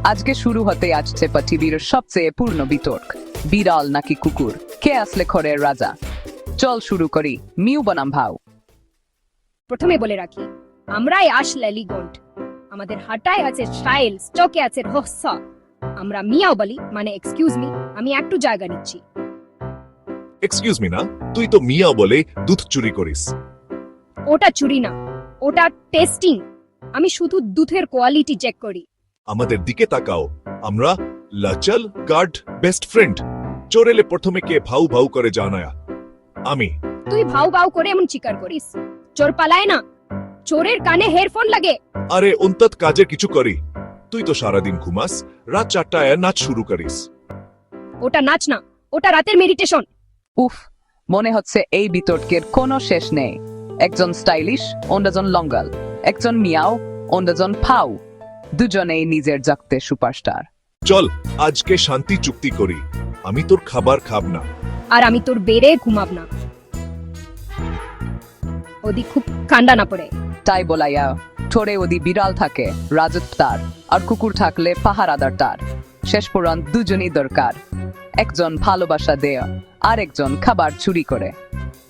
আজকে শুরু হতে আসছে পৃথিবীর সবচেয়ে পূর্ণ বিতর্ক, বিড়াল নাকি কুকুর, কে আসলে ঘরের রাজা। চল শুরু করি। মিউ বনাম ভাও। প্রথমে বলে রাখি, আমরাই আসলে লিগন্ড। আমাদের হাঁটায় আছে স্টাইল, স্টকে আছে রহস্য। আমরা মিয়াও বলি, মানে এক্সকিউজ মি, আমি একটু জায়গা নিচ্ছি। এক্সকিউজ মি না, তুই তো মিয়া বলে দুধ চুরি করিস। ওটা চুরি না, ওটা টেস্টিং। আমি শুধু দুধের কোয়ালিটি চেক করি। আমাদের দিকে তাকাও, আমরা লাচল গার্ড বেস্ট ফ্রেন্ড। চোর এলে প্রথমে কে ভাউ ভাউ করে জানায়া? আমি। তুই ভাও ভাও করে এমন চিকার করিস, চোর পালায় না, চোরের কানে হেডফোন লাগে। আরে অন্তত কাজের কিছু করি। তুই তো সারাদিন ঘুমাস, রাত 4টায় নাচ শুরু করিস। ওটা নাচ না, ওটা রাতের মেডিটেশন। উফ, মনে হচ্ছে এই বিতর্কের কোনো শেষ নেই। একজন স্টাইলিশ, অন্যজন লঙ্গল, একজন মিয়াও, অন্যজন ফাউ। দুজনেই নিজের জাগতে সুপারস্টার। চল আজকে শান্তি চুক্তি করি, আমি তোর খাবার খাব না। আর আমি তোর বেড়ে ঘুমাব না, ওদি খুব ঠান্ডা না পড়ে। তাই বলাইয়া ঠোরে ওদি বিড়াল থাকে রাজত তার, আর কুকুর থাকলে পাহারাদার তার। শেষ পর্যন্ত দুজনই দরকার, একজন ভালোবাসা দেয় আর একজন খাবার চুরি করে।